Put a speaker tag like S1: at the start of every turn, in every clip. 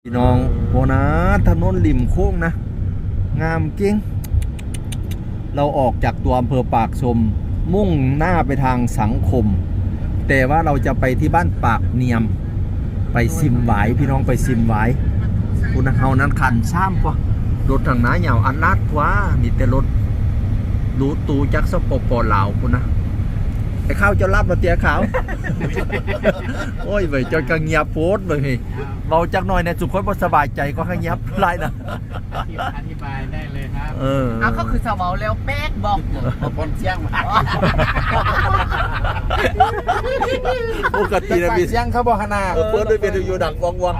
S1: พี่น้องโบนะถนนริมโค้งนะงามจริงเราออกจากตัวอำเภอปากชมมุ่งหน้าไปทางสังคมแต่ว่าเราจะไปที่บ้านปากเนียมไปซิมหวายพี่น้องไปซิมหวายคุณเฮานั้นคันซ้ำกว่ารถทางน้าเหยาวอันลาดกว่ามีแต่รถรู้ตูจักสปปลาวคุณนะไอ้ข้าวจะรับมาเตี้ยขาว โอ้ยเว้ยจนกระเงียบโพสเลยเบาจักหน่อยเนี่ยสุขคนบ่สบายใจก็ข้างเงียบไรนะ
S2: อธิบายได้เลยครับ
S3: เอาก็คือสาวแล้วแป๊กบอก
S2: บนเชียงมา
S1: ปกตินะพี่
S2: เชียงเขาบอกขนาด
S1: เปิดด้วยเป็นอยู่ดังวังวัง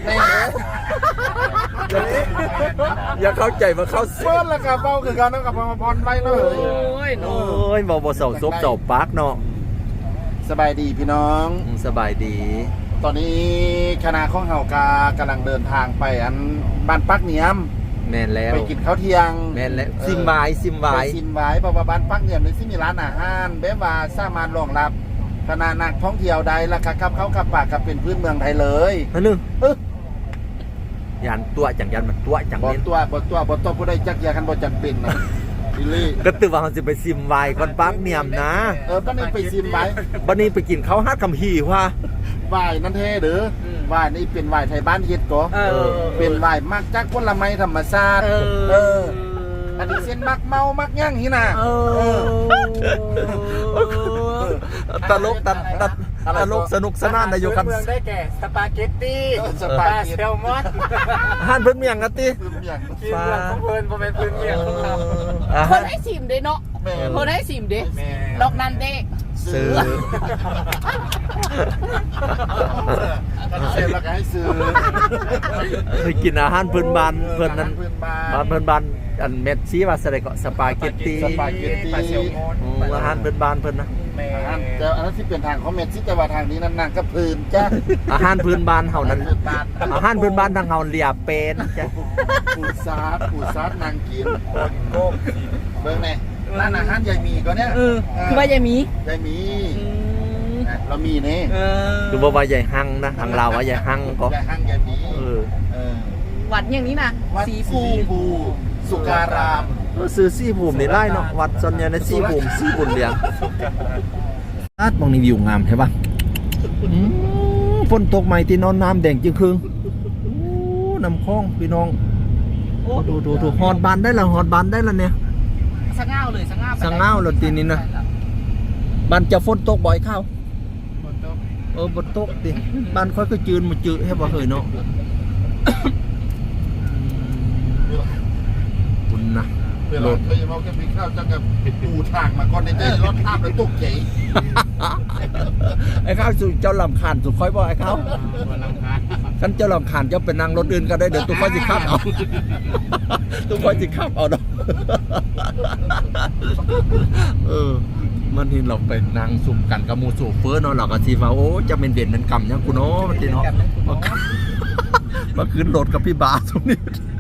S1: อย่าเข้าใจมาเข้าเ
S2: ปิดแล้วกับเบาคือการต้องกับมาพรไปเลย
S1: โอ้ยเบาเสาซบเสาปาร์กเนาะ
S2: สบายดีพี่น้อง
S1: สบายดี
S2: ตอนนี้คณะของเฮากำลังเดินทางไปอันบ้านปักเนียม
S1: แม่นแล้ว
S2: ไปกินข้าวเที่ยง
S1: แม่นแล้วซิมไว้
S2: เพราะว่าบ้านปักเนียมนี่สิมีร้านอาหารแบบว่าสามารถรองรับคณะนักท่องเที่ยวได้ราคาขับเข้าขับปากกับเป็นพื้นเมืองไทยเลย
S1: นั่นนึงยันตัวจังยันมันตัวจัง
S2: นี้บ่ตัวผู้ใดจักยาคันบ่จังเป็นนะบิลลี่
S1: ก็ตื่นว่าเขาจะไปซิมไว้ก่อนปักเนียมนะ
S2: บ้านนี้ไปซิมไว้
S1: บ้านนี้ไปกินข้าวฮัดคำฮีว่า
S2: ไหว้นั่นเท่หรือไหว้นี่เป็นไหว้ไทยบ้านเฮ็ดก็เป็นไหว้มักจักผลไม้ธรรมชาติอันนี้เส้นมักเมามักย่างหิน่ะ
S1: ตลกสนุกสนานนายกครับ
S3: ได้แก่สปาเกตตี้ปลาแซลมอน
S1: อาหารพื้นเมืองกันติ
S3: กินเรื่องของเพิ่นบ่แม่นพื้นเมืองของเขาเพิ่นให้ซิมเด้เนาะเพิ่นให้ซิมเด้ดอกนั้นเด้
S1: ซื้อ
S2: เสร็จแล้วก็ให้ซื้อ
S1: ไปกินอาหารพื้นบ้านเพิ่นนั้นพื้นบ้านอันเม็ดซีว่าอะไรก็สปาเกตตี้อาหารพื้นบ้านเพิ่นนะ
S2: แต่อันนั้นที่เป็นทางของเม็ดซีแต่ว่าทางนี้นั่งก็พื้นจ้ะ
S1: อาหารพื้นบ้านเฮานั้นอาหารพื้นบ้านทางเฮาเรียเป็นจ้ะ
S2: ปูซาดนางกินโก้เบิ่งแน่ร้านอาหารยายมีก็เนี่ย
S3: คือว่ายายมี
S2: เรามีนี่
S1: คือว่ายายหังนะทางเราว่ายายหังก็
S2: ยายหังยายมี
S3: วัดอย่างนี้นะ
S2: สีภูสุการาม
S1: ซื้อสีภูมินี่ไล่เนาะวัดส่วนใหญ่ในสีภูมิสีบุญเลี้ยงลาดมองนี่วิวงามใช่ป่ะฝนตกใหม่ที่นอนน้ำแดงจึงครึ่งน้ำคลองพี่น้องดูหอดบานได้ละเนี่ย
S3: สะเงาเลยสะเง
S1: าเลยทีนี้นะบ้านจะฝนตกบ่อยเข้าฝนตกดิบ้านค่อยก็จืนมาจืดให้บ่เคยเนาะคุณนะ
S2: รถเคยมาแค่ปีข้าวจังกับปูทางมาก่อนในใจรถภาพแล้วตกใจ
S1: ไอ้ข้าวสุเจ้าลำคาญสุค่อยบ่ไอ้ข้าวกันเจ้าลำคาญเจ้าเป็นนางรถอื่นก็ได้เดี๋ยวตุ้ค่อยจิขับเอาตุ้ค่อยจิขับเอาดอกมันที่เราไปนางสุ่มกันกับมูสูเฟอร์เนาะเราก็ทีว่าโอ้จะเป็นเด่นนั้นกำเนี่ยกูเนาะมันทีเนาะมาขึ้นรถกับพี่บาตรงนี้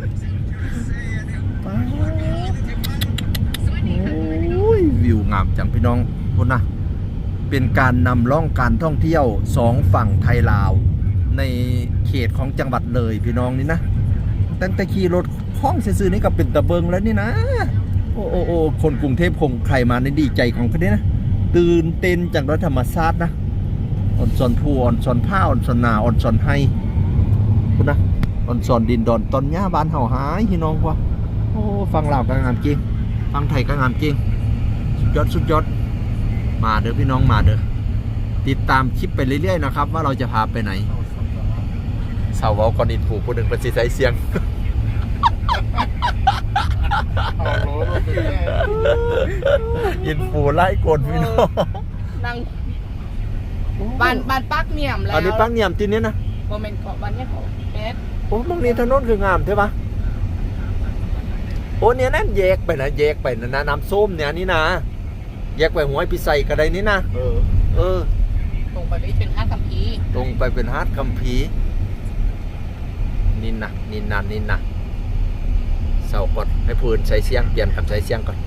S1: วิวงามจังพี่น้องคนนะเป็นการนำล่องการท่องเที่ยวสองฝั่งไทยลาวในเขตของจังหวัดเลยพี่น้องนี่นะตั้งแต่ขี่รถห้องซื่อๆนี่ก็เป็นตะเบิงแล้วนี่นะโอ้คนกรุงเทพคงใครมาในดีใจของเขาเนี่ยนะตื่นเต้นจากรถธรรมชาตินะอ่อนซอนผู้อ่อนซอนผ้าอ่อนซอนนาอ่อนซอนไฮคุณนะอ่อนซอนดินดอนตอนหญ้าบ้านเห่าหายพี่น้องวะโอ้ฟังลาวก็งามจริงฟังไทยก็งามจริงสุดยอดมาเด้อพี่น้องมาเด้อติดตามคลิปไปเรื่อยๆนะครับว่าเราจะพาไปไหนสาวก่อนอินผูผู้หนึ่งเป็นสีใสเสียงอินผูไล่กดพี่น้อง
S3: นั่งบ้านปักเนียมแล้ว
S1: อันนี้ปักเนียมที่นี้นะ
S3: โมเมนต์ของบ้านนี้ของเพชร
S1: โอ้ตรงนี้ถนนคืองามใช่ปะโอ้เนี่ยนั่นแยกไปนะน้ำส้มเนี่ยนี่นะแยกไปหัวพิไซกระไดนี่นะ
S3: ตรงไปเป็นฮาร์ดคัมภีร์
S1: ตรงไปเป็นฮาร์ดคัมภีร์นินนะเสาก่อนให้พื้นใช้เสียงเปลี่ยนกับใช้เสียงก่อน